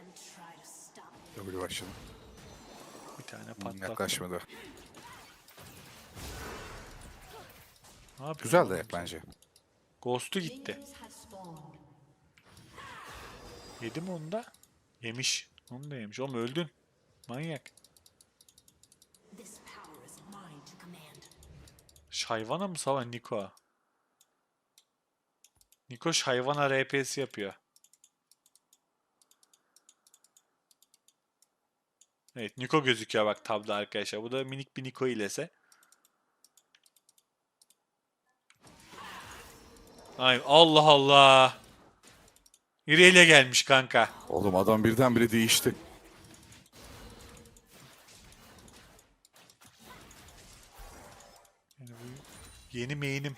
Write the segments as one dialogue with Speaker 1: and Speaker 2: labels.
Speaker 1: W başladı.
Speaker 2: Bir tane patlattım.
Speaker 1: Yaklaşmadı.
Speaker 2: Ne yapıyor
Speaker 1: Güzel
Speaker 2: oğlum
Speaker 1: dayak
Speaker 2: sen?
Speaker 1: bence.
Speaker 2: Ghost'u gitti. Yedi mi onu da? Yemiş. Onu da yemiş. Oğlum öldün. Manyak. Şayvana mı savan Niko? Niko Şayvana RP'si yapıyor. Evet Niko gözüküyor bak tabda arkadaşlar. Bu da minik bir Niko ilese. Ay Allah Allah. İrelia gelmiş kanka.
Speaker 1: Oğlum adam birdenbire değişti.
Speaker 2: Yani bu yeni main'im.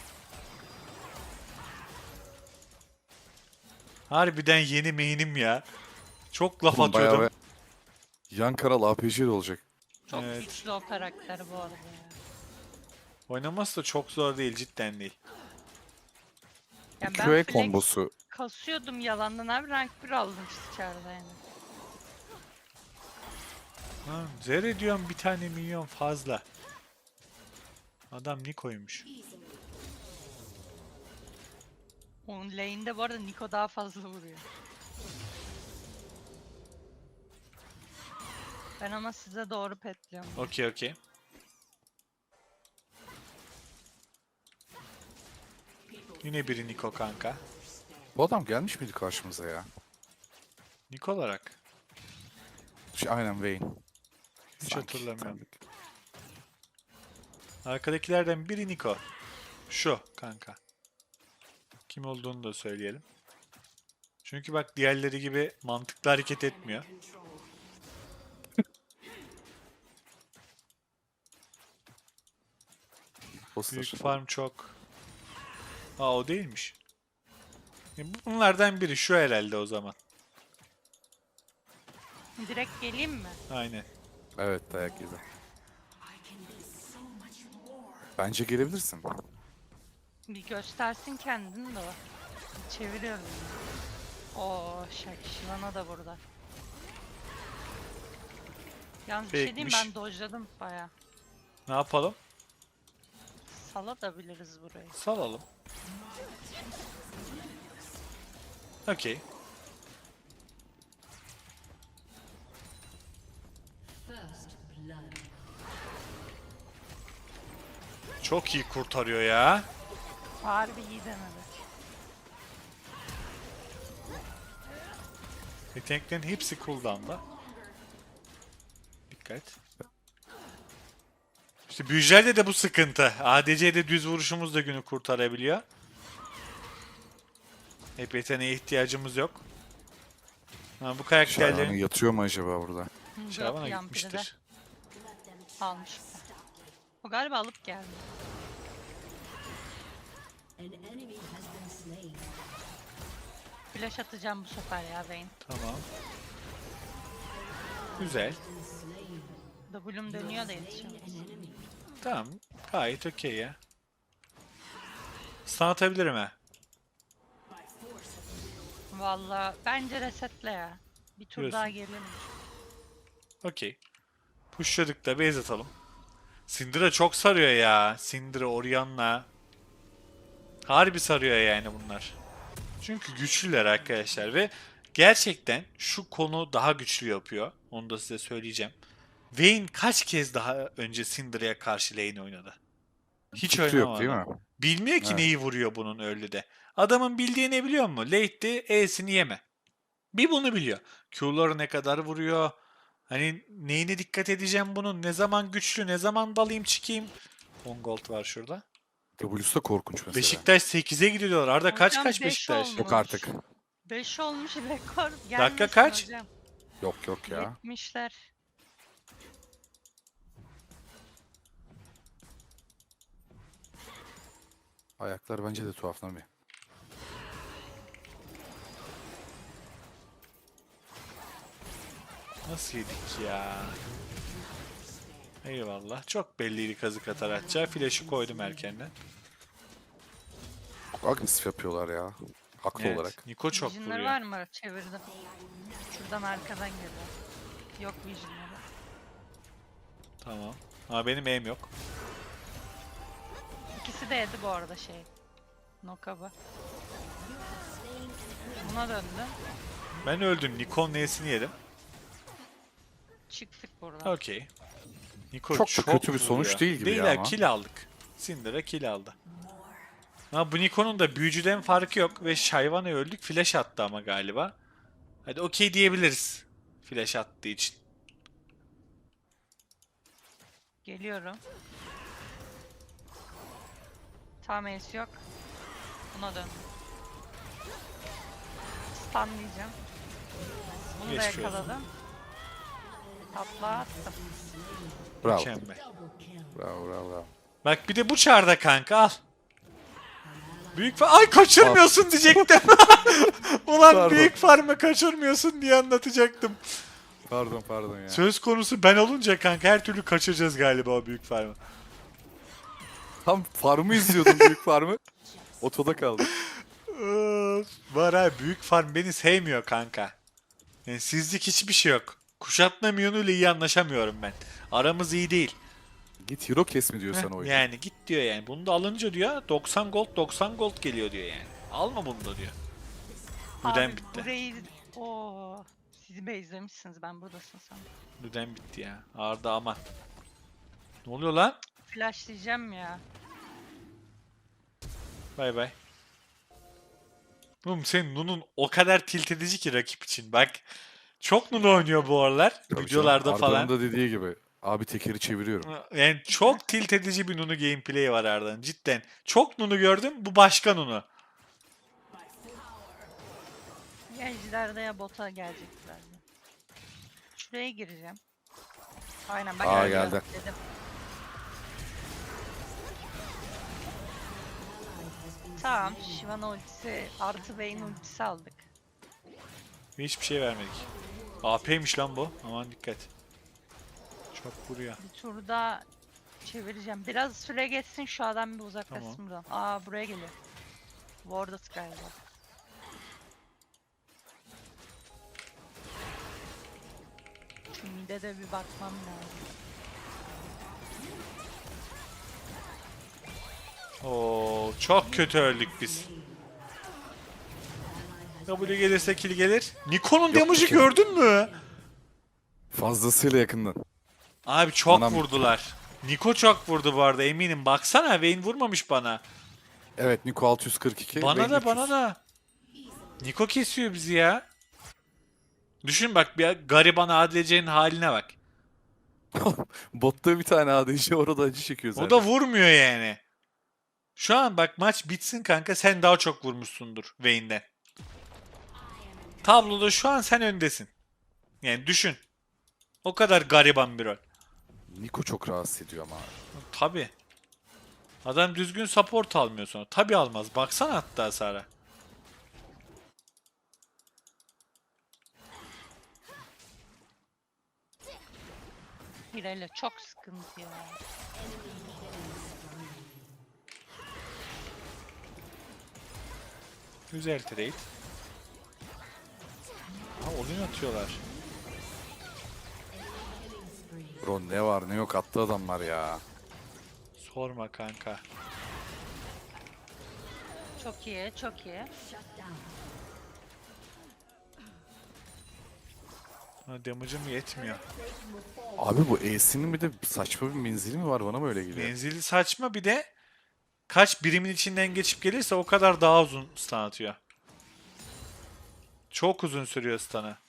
Speaker 2: Harbiden yeni main'im ya. Çok laf
Speaker 1: Oğlum bayağı
Speaker 2: atıyordum.
Speaker 1: yan kanal APC de olacak.
Speaker 3: Çok
Speaker 2: Evet.
Speaker 3: güçlü o karakter bu arada ya.
Speaker 2: Oynaması da çok zor değil cidden değil.
Speaker 3: Yani
Speaker 1: QA
Speaker 3: ben flex
Speaker 1: kombosu.
Speaker 3: kasıyordum yalandan abi rank 1 aldım dışarıda yani.
Speaker 2: Ha, zerre diyorum bir tane milyon fazla. Adam Niko'ymuş.
Speaker 3: Onun lane'de bu arada Niko daha fazla vuruyor. Ben ama size doğru petliyorum.
Speaker 2: Okey okey. Yine biri Niko kanka.
Speaker 1: Bu adam gelmiş miydi karşımıza ya?
Speaker 2: Niko olarak.
Speaker 1: Aynen Vayne.
Speaker 2: Hiç
Speaker 1: Sanki,
Speaker 2: hatırlamıyorum.
Speaker 1: tanıdık.
Speaker 2: Arkadakilerden biri Niko. Şu kanka. Kim olduğunu da söyleyelim. Çünkü bak diğerleri gibi mantıklı hareket etmiyor.
Speaker 1: Poster.
Speaker 2: Büyük farm çok. Aa o değilmiş. Bunlardan biri şu herhalde o zaman.
Speaker 3: Direkt geleyim mi?
Speaker 2: Aynen.
Speaker 1: Evet dayak yedi. Bence gelebilirsin.
Speaker 3: Bir göstersin kendini de o. Çeviriyorum. Oo Shivana da burada. Yalnız bir şey diyeyim
Speaker 2: Fake'miş.
Speaker 3: ben dojladım baya.
Speaker 2: Ne yapalım?
Speaker 3: Salabiliriz burayı.
Speaker 2: Salalım. Okey. Çok iyi kurtarıyor ya.
Speaker 3: Harbi iyi denedi.
Speaker 2: Yeteneklerin hepsi cooldown'da. Dikkat. İşte büyücülerde de bu sıkıntı. ADC'de düz vuruşumuz da günü kurtarabiliyor. Hep yeteneğe ihtiyacımız yok. Ha, bu
Speaker 1: Şahane
Speaker 2: karakterlerin
Speaker 1: yatıyor mu acaba burada?
Speaker 3: Yok,
Speaker 2: Şaban'a
Speaker 3: Yampiri de
Speaker 2: gitmiştir.
Speaker 3: almış. O galiba alıp geldi. Flash atacağım bu sefer ya Vayne.
Speaker 2: Tamam. Güzel.
Speaker 3: W'm dönüyor da yetişemez.
Speaker 2: Tamam. Gayet okey ya. Stun atabilirim ha.
Speaker 3: Valla bence resetle ya. Bir tur
Speaker 2: Diyorsun.
Speaker 3: daha gelelim.
Speaker 2: Okey. Pushladık da base atalım. Syndra çok sarıyor ya. Syndra, Orianna. Harbi sarıyor yani bunlar. Çünkü güçlüler arkadaşlar ve gerçekten şu konu daha güçlü yapıyor. Onu da size söyleyeceğim. Vayne kaç kez daha önce Syndra'ya karşı lane oynadı? Hiç
Speaker 1: Fikri yok değil
Speaker 2: oynamadı.
Speaker 1: mi?
Speaker 2: Bilmiyor ki
Speaker 1: Evet.
Speaker 2: neyi vuruyor bunun early'de. Adamın bildiği ne biliyor musun? Late'de E'sini yeme. Bir bunu biliyor. Q'ları ne kadar vuruyor? Hani neyine dikkat edeceğim bunun? Ne zaman güçlü, ne zaman dalayım çıkayım? 10 gold var şurada.
Speaker 1: W'su da korkunç mesela.
Speaker 2: Beşiktaş 8'e gidiyorlar. Arda kaç
Speaker 3: Hocam
Speaker 2: kaç
Speaker 3: beş
Speaker 2: Beşiktaş?
Speaker 3: olmuş.
Speaker 1: Yok artık.
Speaker 3: 5 olmuş rekor. Gelmesin
Speaker 2: kaç?
Speaker 3: hocam.
Speaker 1: Yok ya.
Speaker 3: 70'ler.
Speaker 1: Ayaklar bence de tuhaflanıyor.
Speaker 2: Nasıl yedik ya? Eyvallah. Çok belliydi kazık atar atacağı. Flash'ı koydum erkenden.
Speaker 1: Çok agresif yapıyorlar ya. Haklı
Speaker 2: Evet.
Speaker 1: olarak.
Speaker 2: Niko çok
Speaker 3: Vision'ları
Speaker 2: vuruyor.
Speaker 3: var mı? Çevirdim. Şuradan arkadan geliyor. Yok vision'ları.
Speaker 2: Tamam. Ama benim aim yok.
Speaker 3: İkisi de yedi bu arada şey. Nokaba. Buna döndü.
Speaker 2: Ben öldüm. Nikon neyesini yedim.
Speaker 3: Çıktık buradan.
Speaker 2: Okey. Niko
Speaker 1: Çok da kötü bir sonuç
Speaker 2: vuruyor.
Speaker 1: değil gibi
Speaker 2: Değil
Speaker 1: ya
Speaker 2: ha,
Speaker 1: ama.
Speaker 2: kill aldık. Syndra kill aldı. Ama bu Niko'nun da büyücüden farkı yok ve Shyvan'a öldük. Flash attı ama galiba. Hadi okey diyebiliriz. Flash attığı için.
Speaker 3: Geliyorum. Tam ace yok. Buna döndü. Stunlayacağım. Bunu da
Speaker 2: Geçmiş olsun.
Speaker 3: yakaladım. Tatla attım.
Speaker 1: Bravo.
Speaker 2: Mükemmel.
Speaker 1: Bravo bravo bravo.
Speaker 2: Bak bir de bu çarda kanka al. Büyük ay kaçırmıyorsun diyecektim. Ulan
Speaker 1: Pardon.
Speaker 2: büyük farmı kaçırmıyorsun diye anlatacaktım.
Speaker 1: Pardon ya.
Speaker 2: Söz konusu ben olunca kanka her türlü kaçıracağız galiba o büyük farmı.
Speaker 1: Tam farmı izliyordum büyük farmı. Otoda kaldım.
Speaker 2: Var ha büyük farm beni sevmiyor kanka. Yani sizlik hiçbir şey yok. Kuşatma Mion'uyla iyi anlaşamıyorum ben. Aramız iyi değil.
Speaker 1: Git hero kes mi diyor
Speaker 2: Heh,
Speaker 1: sana oyun.
Speaker 2: yani git diyor yani. Bunu da alınca diyor 90 gold 90 gold geliyor diyor yani. Alma bunu da diyor. Lüden
Speaker 3: Abi
Speaker 2: bitti.
Speaker 3: burayı... Oo, sizi bezlemişsiniz, ben buradasın sen.
Speaker 2: Lüden bitti ya. Arda aman. Ne oluyor lan?
Speaker 3: Flashlayacağım ya.
Speaker 2: Bay bay. Oğlum senin Nun'un o kadar tilt edici ki rakip için. Bak. Çok Nun oynuyor bu aralar.
Speaker 1: Tabii
Speaker 2: Videolarda
Speaker 1: canım,
Speaker 2: falan.
Speaker 1: Arda'nın da dediği gibi. Abi tekeri çeviriyorum.
Speaker 2: Yani çok tilt edici bir Nunu gameplay'i var Arda'nın. Cidden. Çok Nunu gördüm. Bu başka Nunu.
Speaker 3: Ya ejderde ya bota gelecekler. Şuraya gireceğim. Aynen bak
Speaker 1: Aa,
Speaker 3: geliyor
Speaker 1: geldi.
Speaker 3: dedim. Tamam, Shyvana ultisi artı Vayne ultisi aldık.
Speaker 2: Hiçbir şey vermedik. AP'ymiş lan bu. Aman dikkat. Çok vuruyor.
Speaker 3: Bir turda çevireceğim. Biraz süre geçsin, şu adam bir uzaklaşsın
Speaker 2: Tamam.
Speaker 3: buradan. Aa, buraya geliyor. Wardat galiba. Şu mide de bir bakmam lazım.
Speaker 2: Oo, çok kötü öldük biz. W gelirse kill gelir. Niko'nun damage'ı
Speaker 1: ki.
Speaker 2: gördün mü?
Speaker 1: Fazlasıyla yakından.
Speaker 2: Abi çok
Speaker 1: Anam.
Speaker 2: vurdular. Niko çok vurdu bu arada eminim. Baksana Vayne vurmamış bana.
Speaker 1: Evet Niko 642.
Speaker 2: Bana
Speaker 1: Vayne
Speaker 2: da
Speaker 1: 300.
Speaker 2: bana da. Niko kesiyor bizi ya. Düşün bak bir gariban ADC'nin haline bak.
Speaker 1: Botta bir tane ADC orada acı çekiyor zaten.
Speaker 2: O da vurmuyor yani. Şu an bak maç bitsin kanka sen daha çok vurmuşsundur Vayne'den. Tabloda şu an sen öndesin. Yani düşün. O kadar gariban bir rol.
Speaker 1: Niko çok rahatsız ediyor ama.
Speaker 2: Tabi. Adam düzgün support almıyor sonra. Tabi almaz. Baksana hatta hasara.
Speaker 3: Hireyle çok sıkıntı ya.
Speaker 2: Güzel trade. Ha oyun atıyorlar.
Speaker 1: Bro ne var ne yok attı adamlar ya.
Speaker 2: Sorma kanka.
Speaker 3: Çok iyi, çok iyi.
Speaker 2: Ha, damage'ım yetmiyor.
Speaker 1: Abi bu E'sinin bir de saçma bir menzili mi var bana mı öyle geliyor?
Speaker 2: Menzili saçma bir de kaç birimin içinden geçip gelirse o kadar daha uzun stun atıyor. Çok uzun sürüyor stun'ı.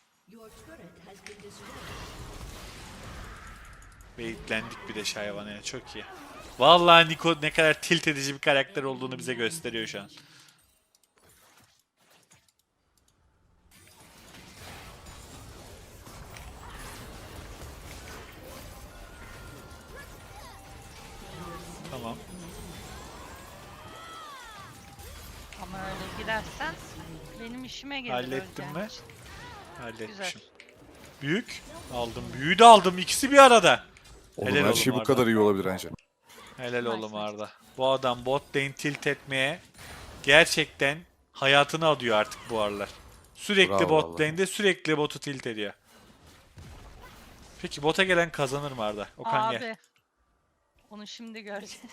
Speaker 2: Baitlendik bir de Shyvana'ya çok iyi. Vallahi Niko ne kadar tilt edici bir karakter olduğunu bize gösteriyor şu an. Tamam.
Speaker 3: Ama öyle girersen benim işime gelir.
Speaker 2: Hallettin
Speaker 3: öleceğin
Speaker 2: mi?
Speaker 3: için.
Speaker 2: Halletmişim. Büyük. Aldım. Büyüğü de aldım. İkisi bir arada.
Speaker 1: Oğlum
Speaker 2: Helal
Speaker 1: her
Speaker 2: oğlum
Speaker 1: şey bu
Speaker 2: Arda.
Speaker 1: kadar iyi olabilir bence.
Speaker 2: Helal
Speaker 3: Nice,
Speaker 2: oğlum
Speaker 3: nice.
Speaker 2: Arda. Bu adam bot lane tilt etmeye gerçekten hayatını adıyor artık bu aralar. Sürekli
Speaker 1: Bravo
Speaker 2: bot
Speaker 1: vallahi.
Speaker 2: lane'de sürekli botu tilt ediyor. Peki bota gelen kazanır mı Arda? Okan gel.
Speaker 3: Abi. Onu şimdi göreceğiz.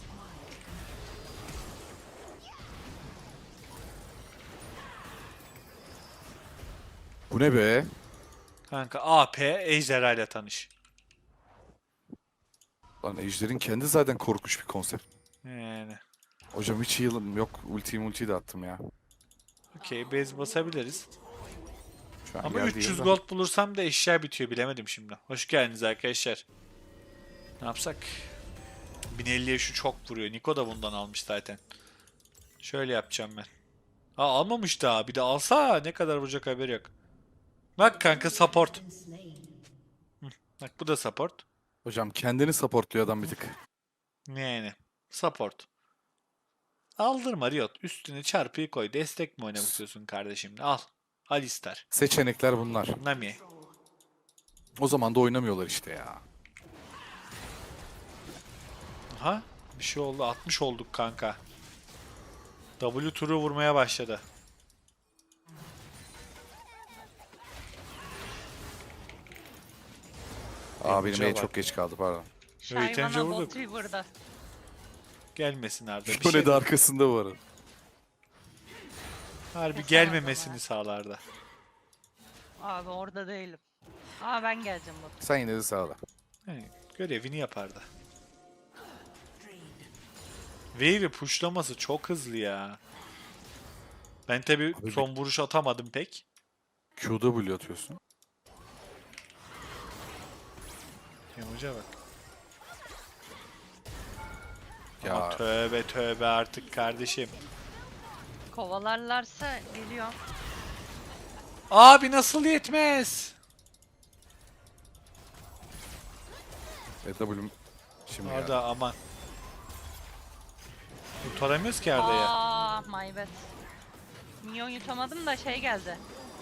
Speaker 1: Bu ne be?
Speaker 2: Kanka AP Ejderha ile tanış.
Speaker 1: Lan Ejder'in kendi zaten korkunç bir konsept.
Speaker 2: Yani.
Speaker 1: Hocam hiç heal'ım yok. Ultiyi de attım ya.
Speaker 2: Okey, base basabiliriz.
Speaker 1: Şu an
Speaker 2: Ama
Speaker 1: geldi
Speaker 2: 300
Speaker 1: yılda.
Speaker 2: gold bulursam da eşya bitiyor, bilemedim şimdi. Hoş geldiniz arkadaşlar. Ne yapsak? 1050'ye şu çok vuruyor. Niko da bundan almış zaten. Şöyle yapacağım ben. Aa, almamış daha. Bir de alsa ne kadar vuracak haberi yok. Bak kanka support. Bak bu da support.
Speaker 1: Hocam kendini supportluyor adam bir tık.
Speaker 2: Yani. Support. Aldırma Riot. Üstüne çarpıyı koy. Destek mi oynamak istiyorsun kardeşim? Al. Alistar.
Speaker 1: Seçenekler bunlar.
Speaker 2: Nami.
Speaker 1: O zaman da oynamıyorlar işte ya.
Speaker 2: Aha. Bir şey oldu. 60 olduk kanka. W turu vurmaya başladı.
Speaker 1: Aa benim
Speaker 2: Damage'a
Speaker 1: en
Speaker 2: bak.
Speaker 1: çok geç kaldı pardon.
Speaker 2: Yeterince
Speaker 3: Shyvana
Speaker 2: vurduk.
Speaker 3: bot burada.
Speaker 2: Gelmesin Arda. Bir
Speaker 1: Şöyle
Speaker 2: şey
Speaker 1: de arkasında bu arada.
Speaker 2: harbi
Speaker 3: Kesemez
Speaker 2: gelmemesini
Speaker 3: ama.
Speaker 2: sağlardı.
Speaker 3: Abi orada değilim. Aa ben geleceğim bot.
Speaker 1: Sen yine de sağla.
Speaker 2: Yani görevini yapardı. Wave'i pushlaması çok hızlı ya. Ben tabi
Speaker 1: Abi
Speaker 2: son vuruş atamadım pek.
Speaker 1: QW atıyorsun.
Speaker 2: Hoca bak.
Speaker 1: Ya
Speaker 2: Ama tövbe tövbe artık kardeşim.
Speaker 3: Kovalarlarsa geliyor.
Speaker 2: Abi nasıl yetmez?
Speaker 1: W'm şimdi
Speaker 2: Arda aman. Kurtaramıyoruz ki Arda'ya.
Speaker 3: Aa my bad. Minyon yutamadım da şey geldi.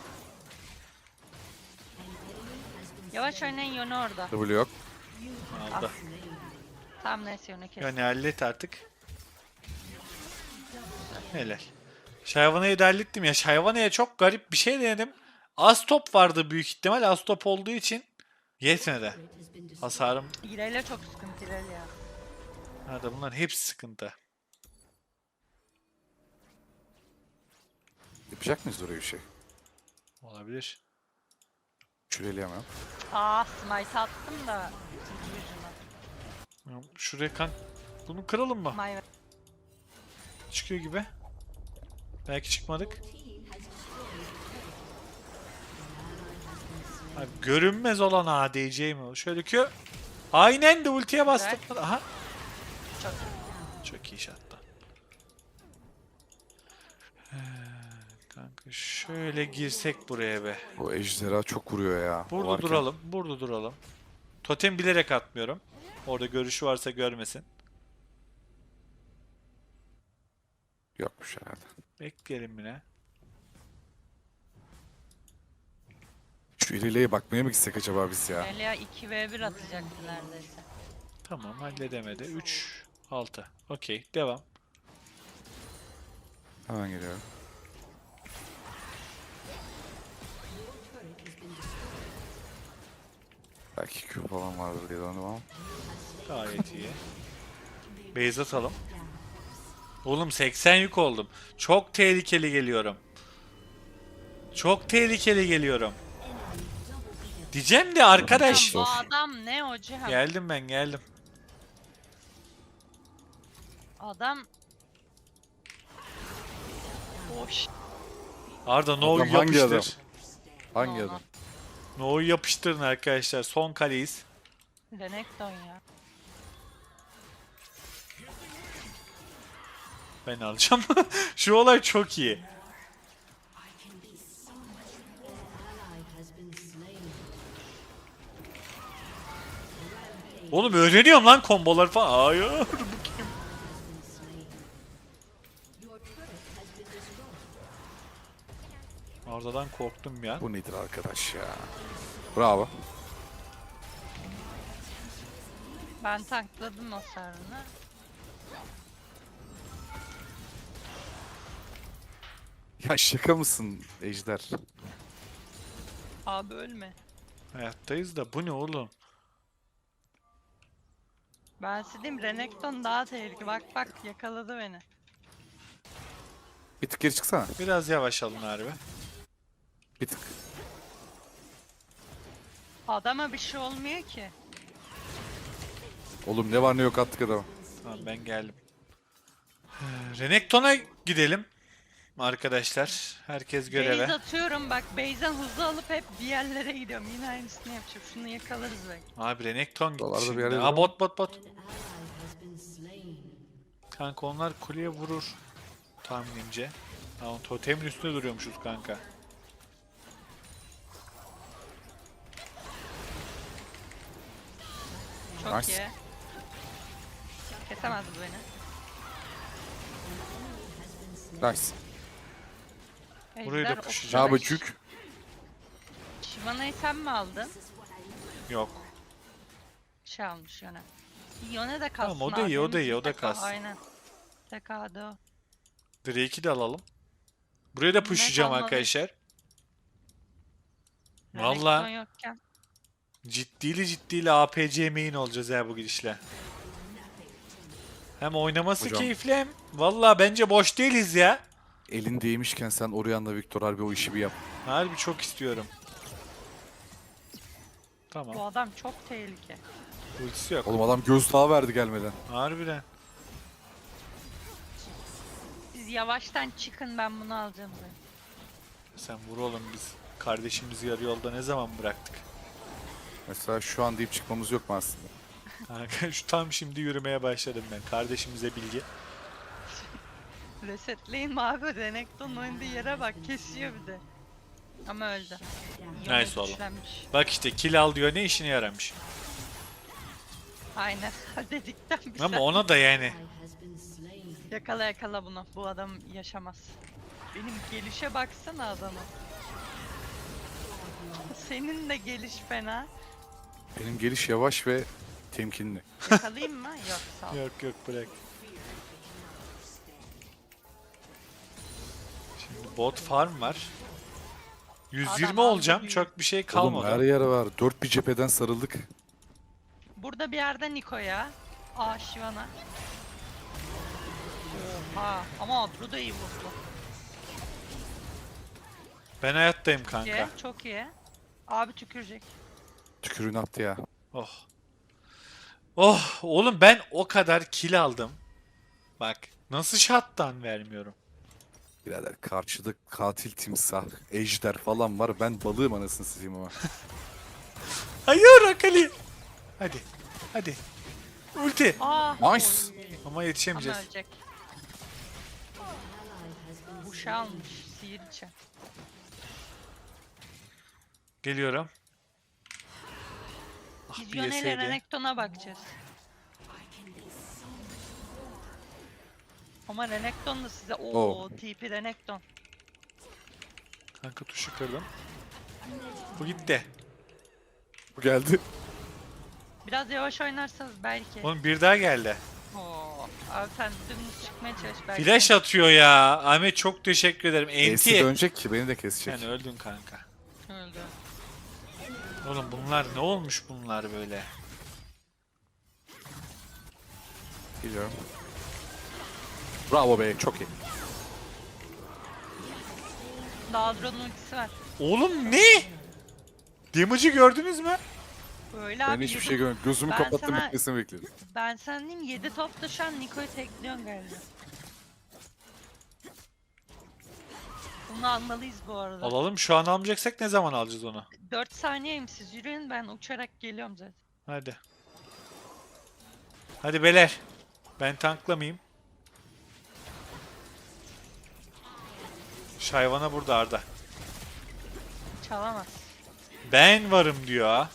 Speaker 3: Yavaş oynayın Yone orada.
Speaker 1: W yok.
Speaker 2: Aldı.
Speaker 3: Tamam neyse Yone kes.
Speaker 2: Yani hallet artık. Helal. Shyvana'yı da hallettim ya. Shyvana'ya çok garip bir şey denedim. Az top vardı büyük ihtimal. Az top olduğu için yetmedi. Hasarım.
Speaker 3: İreyle çok sıkıntı İreyle ya.
Speaker 2: Arada bunların hepsi sıkıntı.
Speaker 1: Yapacak mıyız oraya bir şey?
Speaker 2: Olabilir.
Speaker 1: Şureleyemem.
Speaker 3: Aa smite attım da. ikinci yüzüne.
Speaker 2: Şuraya kan. Bunu kıralım mı?
Speaker 3: My bad.
Speaker 2: Çıkıyor gibi. Belki çıkmadık. Abi, görünmez olan ADC mi o? Şöyle ki. Aynen de ultiye bastım. Aha.
Speaker 3: Çok
Speaker 2: Çok iyi şatta. Kanka şöyle girsek buraya be.
Speaker 1: Bu ejderha çok vuruyor ya. O
Speaker 2: Burada
Speaker 1: varken-
Speaker 2: duralım. Burada duralım. Totem bilerek atmıyorum. Orada görüşü varsa görmesin.
Speaker 1: Yokmuş herhalde.
Speaker 2: Bekleyelim yine.
Speaker 1: Şu ileriye bakmaya mı gitsek acaba biz ya?
Speaker 3: Elia 2v1 atacaktı neredeyse.
Speaker 2: Tamam halledemedi. 3, 6. Okey devam.
Speaker 1: Hemen geliyorum. Belki Q falan vardır diye sandım ama.
Speaker 2: Gayet iyi. Base atalım. Oğlum 80 yük oldum. Çok tehlikeli geliyorum. Çok tehlikeli geliyorum. Diyeceğim de arkadaş.
Speaker 3: Bu adam ne hocam?
Speaker 2: Geldim ben geldim.
Speaker 3: Adam... Boş.
Speaker 2: Arda No'yu
Speaker 1: Adam hangi adam?
Speaker 2: yapıştır.
Speaker 1: Hangi
Speaker 3: No,
Speaker 1: adam?
Speaker 2: No'yu yapıştırın arkadaşlar. Son kaleyiz.
Speaker 3: Renekton ya.
Speaker 2: Ben alacağım. Şu olay çok iyi. Oğlum öğreniyorum lan kombolar falan. Hayır. Bu kim? Arda'dan korktum ya.
Speaker 1: Bu nedir arkadaş ya? Bravo.
Speaker 3: Ben tankladım hasarını.
Speaker 1: Ya şaka mısın Ejder?
Speaker 3: Abi ölme.
Speaker 2: Hayattayız da bu ne oğlum?
Speaker 3: Ben size diyeyim Renekton daha tehlikeli. Bak bak yakaladı beni.
Speaker 1: Bir tık geri çıksana.
Speaker 2: Biraz yavaş alın harbi.
Speaker 1: Bir tık.
Speaker 3: Adama bir şey olmuyor ki.
Speaker 1: Oğlum ne var ne yok attık adama.
Speaker 2: Tamam ben geldim. Renekton'a gidelim. Arkadaşlar herkes göreve.
Speaker 3: Base atıyorum bak base'den hızlı alıp hep bir yerlere gidiyorum. Yine aynısını yapacağım. Şunu yakalarız belki.
Speaker 2: Abi Renekton gitti
Speaker 1: Buralarda bir
Speaker 2: şimdi.
Speaker 1: yerde
Speaker 2: Aa
Speaker 1: duruyor
Speaker 2: bot. Kanka onlar kuleye vurur tahminimce. Tamam totemin üstünde duruyormuşuz kanka.
Speaker 3: Çok
Speaker 1: Nice.
Speaker 3: iyi. Kesemez bu beni.
Speaker 1: Nice.
Speaker 2: Burayı da
Speaker 3: Ejder
Speaker 2: pushlayacağım.
Speaker 1: Ne
Speaker 3: 35.
Speaker 1: yapacak?
Speaker 3: Shyvana'yı sen mi aldın?
Speaker 2: Yok.
Speaker 3: Şey almış Yone. Yone de kalsın.
Speaker 2: Tamam, o da iyi, o da iyi, o da
Speaker 3: TK,
Speaker 2: kalsın.
Speaker 3: Aynen. TK'da o.
Speaker 2: Drake'i de alalım. Buraya da pushlayacağım
Speaker 3: kalmadı.
Speaker 2: arkadaşlar.
Speaker 3: Renekton
Speaker 2: Valla
Speaker 3: yokken.
Speaker 2: ciddili APC main olacağız ya bu gidişle. Hem oynaması
Speaker 1: Hocam.
Speaker 2: keyifli hem valla bence boş değiliz ya.
Speaker 1: Elin değmişken sen Orianna Victor harbi o işi bir yap.
Speaker 2: Harbi çok istiyorum.
Speaker 3: Bu
Speaker 2: Tamam.
Speaker 3: adam çok tehlike.
Speaker 2: Ultisi yok.
Speaker 1: Oğlum adam gözdağı verdi gelmeden.
Speaker 2: Harbiden.
Speaker 3: Siz yavaştan çıkın ben bunu alacağım. Ben.
Speaker 2: Sen vur oğlum biz kardeşimizi yarı yolda ne zaman bıraktık?
Speaker 1: Mesela şu an deyip çıkmamız yok mu aslında?
Speaker 2: Kanka şu tam şimdi yürümeye başladım ben. Kardeşimize bilgi.
Speaker 3: Resetleyin mi abi? Renekton oynadığı yere bak. Kesiyor bir de. Ama öldü. Yone
Speaker 2: Nice oğlum.
Speaker 3: güçlenmiş.
Speaker 2: Bak işte kill al diyor ne işine yaramış.
Speaker 3: Aynen. Dedikten bir
Speaker 2: Ama
Speaker 3: saat.
Speaker 2: ona da yani.
Speaker 3: Yakala yakala bunu. Bu adam yaşamaz. Benim gelişe baksana adama. Senin de geliş fena.
Speaker 1: Benim geliş yavaş ve temkinli.
Speaker 3: Yakalayayım mı? Yok sağ ol.
Speaker 2: Yok bırak. Şimdi bot farm var. 120
Speaker 3: Adam
Speaker 2: olacağım.
Speaker 3: aldı
Speaker 2: Çok bir şey
Speaker 1: Oğlum
Speaker 2: kalmadı.
Speaker 1: her yer var. Dört bir cepheden sarıldık.
Speaker 3: Burada bir yerde Niko'ya. Aa Shyvana. Oha ama Adro da iyi vurdu.
Speaker 2: Ben hayattayım
Speaker 3: İyi,
Speaker 2: kanka.
Speaker 3: çok iyi. Abi tükürecek.
Speaker 1: Tükürüğünü attı ya.
Speaker 2: Oh. Oh oğlum ben o kadar kill aldım. Bak nasıl shot'tan vermiyorum.
Speaker 1: Birader karşıda katil timsah, ejder falan var. Ben balığım anasını satayım ama.
Speaker 2: Hayır Akali. Hadi. Ulti.
Speaker 3: Aa
Speaker 1: Nice.
Speaker 2: Ama
Speaker 3: ama
Speaker 2: yetişemeyeceğiz.
Speaker 3: ölecek. Uşağı almış. Sihirçe.
Speaker 2: Geliyorum. Ah
Speaker 3: Biz
Speaker 2: bir
Speaker 3: Yone ile
Speaker 2: yeseydi.
Speaker 3: Renekton'a bakacağız. Ama Renekton da size
Speaker 1: Oh.
Speaker 3: TP Renekton.
Speaker 2: Kanka tuşu kırdım. Bu gitti.
Speaker 1: Bu geldi.
Speaker 3: Biraz yavaş oynarsanız belki.
Speaker 2: Oğlum bir daha geldi.
Speaker 3: Oo. Abi sen dümdüz çıkmaya çalış belki.
Speaker 2: Flash atıyor ya. Ahmet çok teşekkür ederim.
Speaker 1: Esi
Speaker 2: Enti.
Speaker 1: dönecek ki beni de kesecek.
Speaker 2: Sen öldün kanka.
Speaker 3: Öldü.
Speaker 2: Oğlum bunlar ne olmuş bunlar böyle?
Speaker 1: Geliyorum. Bravo be, çok iyi.
Speaker 3: Daldron'un ultisi var.
Speaker 2: Oğlum ne? Damage'ı gördünüz mü?
Speaker 3: Böyle
Speaker 1: Ben
Speaker 3: abi.
Speaker 1: hiçbir
Speaker 3: yedi-
Speaker 1: şey görmedim. Gözümü
Speaker 3: Ben
Speaker 1: kapattım,
Speaker 3: sana-
Speaker 1: bitmesini bekledim.
Speaker 3: Ben sana diyeyim 7 topta şu an Niko'yu tekliyorsun galiba. Bunu almalıyız bu arada.
Speaker 2: Alalım şu an almayacaksak ne zaman alacağız onu?
Speaker 3: 4 saniyeyim siz yürüyün ben uçarak geliyorum zaten.
Speaker 2: Hadi. Hadi beler. Ben tanklamayayım. Şayvana burada Arda.
Speaker 3: Çalamaz.
Speaker 2: Ben varım diyor ha.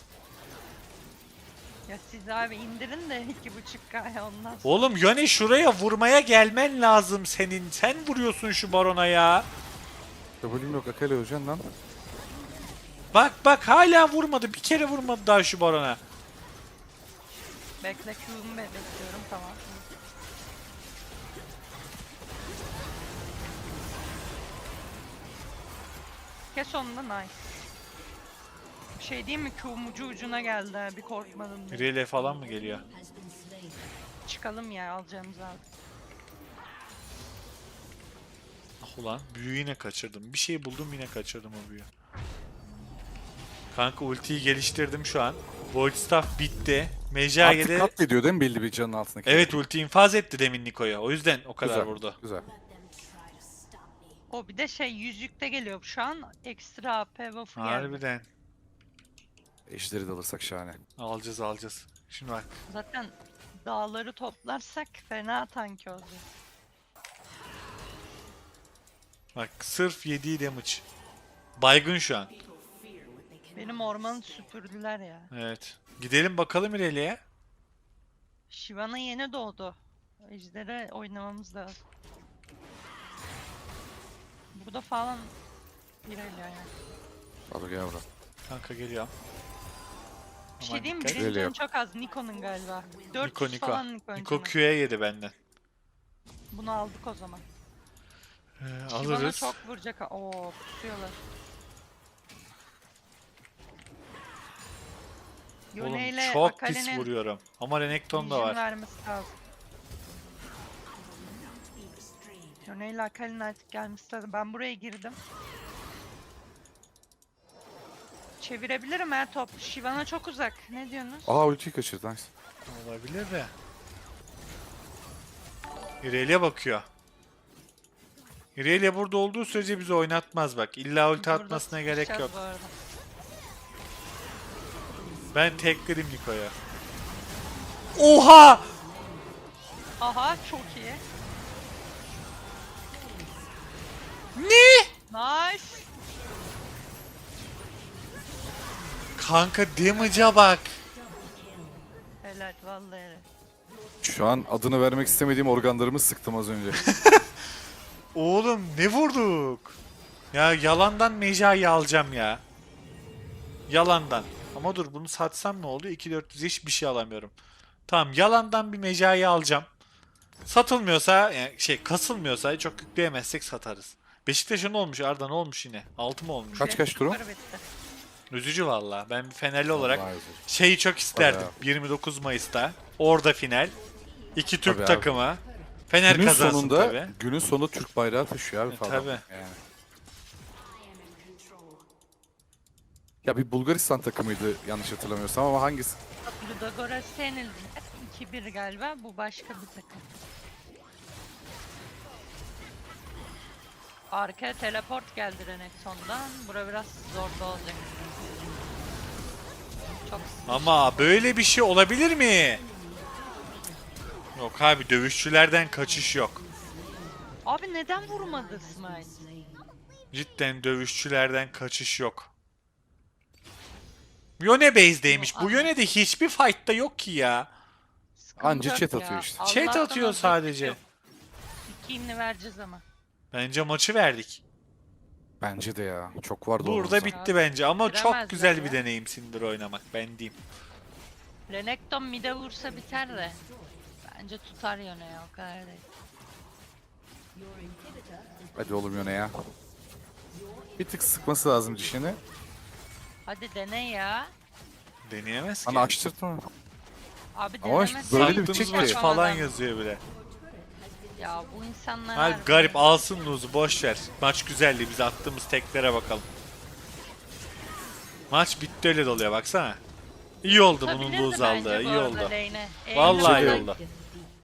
Speaker 3: Ya siz abi indirin de 2.5K'ya ondan sonra.
Speaker 2: Oğlum Yone şuraya vurmaya gelmen lazım senin. Sen vuruyorsun şu barona ya.
Speaker 1: W'm yok, Akali öleceksin lan.
Speaker 2: Bak hala vurmadı. Bir kere vurmadı daha şu barona.
Speaker 3: Bekle Q'umu bekliyorum tamam. Kes onu da nice. Bir şey diyeyim mi? Q'm ucuna geldi ha, bir korkmadım diye.
Speaker 2: Irelia falan mı geliyor?
Speaker 3: Çıkalım ya, alacağımızı aldık.
Speaker 2: Ah ulan büyüyü yine kaçırdım. Bir şey buldum yine kaçırdım o büyüyü. Kanka ultiyi geliştirdim şu an. Void Staff bitti.
Speaker 1: Artık
Speaker 2: Mejage'de
Speaker 1: katlediyor değil mi belli bir canın altındaki?
Speaker 2: evet ulti infaz etti demin Niko'ya. O yüzden o kadar
Speaker 1: Güzel,
Speaker 2: vurdu.
Speaker 1: güzel.
Speaker 3: O bir de şey yüzükte geliyor şu an. Ekstra AP buff'u geldi.
Speaker 2: Harbiden.
Speaker 1: Ejderi de alırsak şahane.
Speaker 2: Alacağız alacağız. Şimdi bak.
Speaker 3: Zaten dağları toplarsak fena tank olacak.
Speaker 2: Bak sırf yediği damage. Baygın şu an.
Speaker 3: Benim ormanı süpürdüler ya.
Speaker 2: Evet. Gidelim bakalım Irelia'ya.
Speaker 3: Shyvana yeni doğdu. Ejder'e oynamamız lazım. Burada falan Irelia yani.
Speaker 1: Hadi gel buraya.
Speaker 2: Kanka geliyor.
Speaker 3: Bir
Speaker 2: Aman
Speaker 3: şey diyeyim mi?
Speaker 2: dikkat.
Speaker 3: Birinci
Speaker 1: Irelia.
Speaker 3: canı çok az. Niko'nun galiba. 400
Speaker 2: Niko Niko.
Speaker 3: falan Niko
Speaker 2: Niko
Speaker 3: önceden.
Speaker 2: Q'ya yedi benden.
Speaker 3: Bunu aldık o zaman. Shyvana
Speaker 2: Alırız.
Speaker 3: çok vuracak. Oo, pusuyorlar.
Speaker 2: Oğlum
Speaker 3: Yone ile
Speaker 2: çok pis
Speaker 3: Akali'nin
Speaker 2: vuruyorum. Ama Renekton da
Speaker 3: vision
Speaker 2: var.
Speaker 3: vermesi lazım. Yone ile Akali'nin artık gelmesi lazım. Ben buraya girdim. Çevirebilirim her top. Shyvana çok uzak. Ne diyorsunuz?
Speaker 1: Aa ultiyi kaçırdı. Nice.
Speaker 2: Olabilir de. Irelia bakıyor. Irelia burada olduğu sürece bizi oynatmaz bak. İlla ulti
Speaker 3: Burada
Speaker 2: atmasına gerek
Speaker 3: sıkışacağız
Speaker 2: yok.
Speaker 3: bu arada.
Speaker 2: Ben tekledim Niko'ya. Oha!
Speaker 3: Aha, çok iyi.
Speaker 2: Ne?
Speaker 3: Nice.
Speaker 2: Kanka damage'a bak.
Speaker 3: Helal vallahi helal.
Speaker 1: Şu an adını vermek istemediğim organlarımı sıktım az önce.
Speaker 2: Oğlum ne vurduk? Ya yalandan Meja'yı alacağım ya. Yalandan. Ama dur bunu satsam ne oluyor? 2400 hiçbir şey alamıyorum. Tamam yalandan bir Meja'yı alacağım. Satılmıyorsa yani kasılmıyorsa çok yükleyemezsek satarız. Beşiktaş'a ne olmuş Arda, ne olmuş yine? 6 mı olmuş?
Speaker 1: Kaç durum?
Speaker 3: Yukarı bitti.
Speaker 2: Üzücü valla. Ben bir Fenerli olarak
Speaker 1: Vallahi üzücü.
Speaker 2: şeyi çok isterdim.
Speaker 1: Bayağı.
Speaker 2: 29 Mayıs'ta. Orada final. İki Türk
Speaker 1: Tabii abi.
Speaker 2: takımı. Fener
Speaker 1: Günün
Speaker 2: kazansın
Speaker 1: sonunda,
Speaker 2: tabii.
Speaker 1: günün sonunda Türk bayrağı taşıyor abi falan.
Speaker 2: tabii.
Speaker 1: Yani. Ya bir Bulgaristan takımıydı yanlış hatırlamıyorsam ama hangisi?
Speaker 3: Ludogorets yenildiler. 2-1 galiba. Bu başka bir takım. Arkaya teleport geldi Renekton'dan. Bura biraz zorlu olacak. Çok
Speaker 2: Ama böyle bir şey olabilir mi? Yok abi dövüşçülerden kaçış yok.
Speaker 3: Abi neden vurmadı Smite?
Speaker 2: Cidden dövüşçülerden kaçış yok. Yone base'deymiş. Bu Yone'de hiçbir fight'ta yok ki ya.
Speaker 3: Sıkıntı
Speaker 1: Anca
Speaker 3: yok
Speaker 1: chat
Speaker 3: ya.
Speaker 1: atıyor işte.
Speaker 2: Chat
Speaker 3: Allah'tan
Speaker 2: atıyor
Speaker 3: objektif
Speaker 2: sadece.
Speaker 3: yok. İkiğini vereceğiz ama.
Speaker 2: Bence maçı verdik.
Speaker 1: Bence de ya. Çok vardı
Speaker 2: Burada
Speaker 1: orada.
Speaker 2: bitti bence ama çok
Speaker 3: Bitiremezler
Speaker 2: güzel
Speaker 3: ya.
Speaker 2: bir deneyim Syndra oynamak ben diyeyim.
Speaker 3: Renekton mid'e vursa biter de. Bence tutar Yone ya, o kadar değil.
Speaker 1: Hadi oğlum Yone ya. Bir tık sıkması lazım dişini.
Speaker 3: Hadi dene ya.
Speaker 2: Deneyemez ki.
Speaker 1: Hani açtırtma.
Speaker 3: Abi
Speaker 1: Ama
Speaker 3: denemezsen
Speaker 1: böyle bir
Speaker 2: Sattığımız
Speaker 1: çek
Speaker 2: maç
Speaker 1: ki.
Speaker 2: falan yazıyor bile.
Speaker 3: Ya bu insanlar
Speaker 2: Hayır
Speaker 3: harbi-
Speaker 2: garip alsın lose'u boş ver. Maç güzeldi biz attığımız teklere bakalım. Maç bitti öyle doluyor baksana. İyi oldu bunun
Speaker 3: Tutabilirdi
Speaker 2: lose
Speaker 3: bence
Speaker 2: aldığı
Speaker 3: bu
Speaker 2: iyi
Speaker 3: arada
Speaker 2: oldu.
Speaker 3: lane'e.
Speaker 2: Vallahi iyi
Speaker 3: Eğlenmeden
Speaker 2: oldu.